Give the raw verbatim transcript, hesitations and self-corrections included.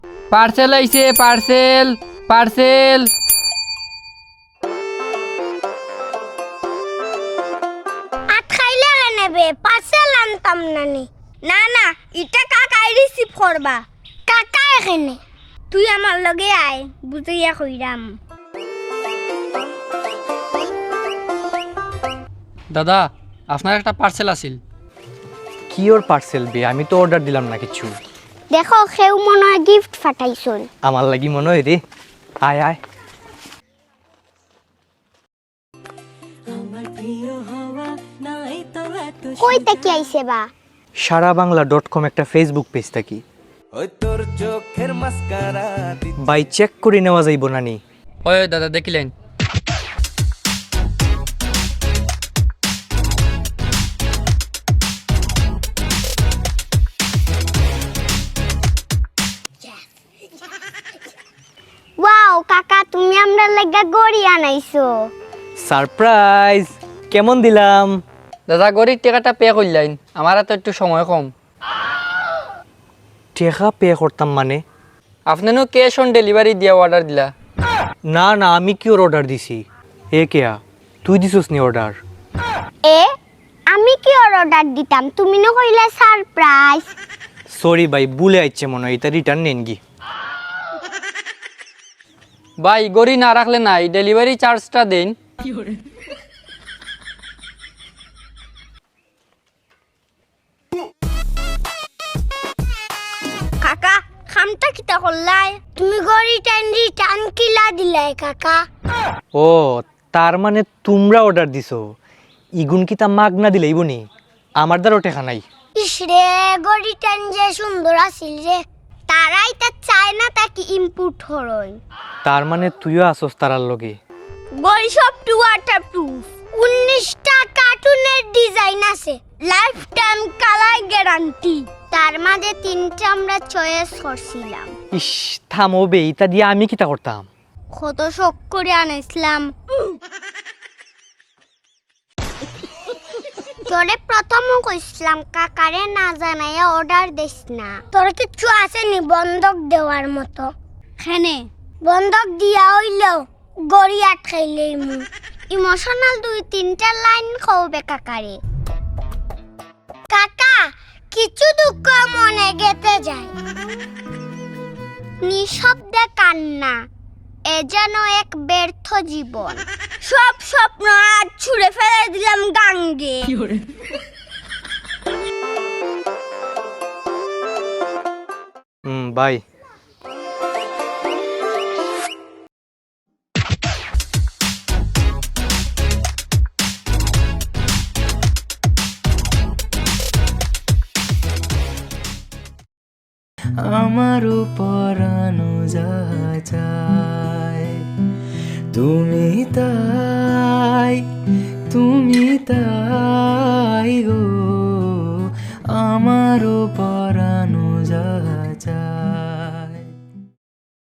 Parcel আইছে, parcel parcel. আট খাইলে নেবে পার্সেল আনতাম নানি। না না, এটা কাকাই রিসিভ করবা। কাকা এখানে, তুই আমার লগে আয়, বুঝাইয়া কইরাম। দাদা, আপনার একটা পার্সেল আছিল। কি ওর পার্সেল বে? আমি তো অর্ডার দিলাম না কিছু। দেখো কেউ মনে হয় গিফট ফাটাইছুন। আমার লাগি মনে হয় রে। আয় আয়। কই থেকে আইছে বা? সারা বাংলা ডট কম একটা ফেসবুক পেজ থাকি। বাই চেক করে নেওয়া যাইব নানি? ওই দাদা দেখিলেন? ওয়াও কাকা, তুমি আমরা লাগা গড়ি আনাইছো। সারপ্রাইজ! কেমন দিলাম? দাদা গরিব টাকাটা পে করলেন, আমার তো একটু সময় কম। টাকা পে করতাম মানে? আপনারও ক্যাশ অন ডেলিভারি দিয়ে অর্ডার দিলা। না না, আমি কি ওর অর্ডার দিছি? এ কেয়া, তুই দিছিস নি অর্ডার? এ আমি কি ওর অর্ডার দিতাম? তুমি না কইলা সারপ্রাইজ। সরি ভাই, ভুলে আইছে মনে হয়, এটা রিটার্ন নেন গি। ভাই গড়ি না রাখলে নাই, ডেলিভারি চার্জটা দেন। কাকা খামটা কিতা করলাই? তুমি গড়ি টাইম রিটার্ন কিলা দিলাই কাকা? ও, তার মানে তোমরা অর্ডার দিছো। ইগুন কি তা মাগ না দিলে ইবনি? আমার দ্বারও টেকা নাই। ইস রে, গড়ি টাইম যে সুন্দর আছিল রে। তারাই তা চায় না, তাকে ইনপুট হরই। তার মানে তুইও আসস তারার লগে? গড়ি সব টু ওয়াটার প্রুফ। উনিশটা কার্টুনের ডিজাইন আছে, লাইফ টাইম কালার গ্যারান্টি। তার মাঝে তিনটা আমরা চয়েস করছিলাম। ইস থামো বে, ইতা দিয়ে আমি কিতা করতাম? কত শখ করে আনাইছিলাম। তোরে প্রথম কইছিলাম কাকারে না জানাইয়া অর্ডার দিস না। তোর কিছু আসেনি বন্ধক দেওয়ার মতো? খেনে বন্ধক দিয়া হইলেও গড়ি আটকাইলেই মু। ইমোশনাল দুই তিনটা লাইন কওবে কাকারে। কাকা কিছু দুঃখ মনে গেতে যায়, নিঃশব্দে কান্না, এ যেন এক ব্যর্থ জীবন। সব স্বপ্ন আজ ছুঁড়ে ফেলে দিলাম গাঙ্গে। হুম বাই। আমার পরানো যায় তুমি তাই, তুমি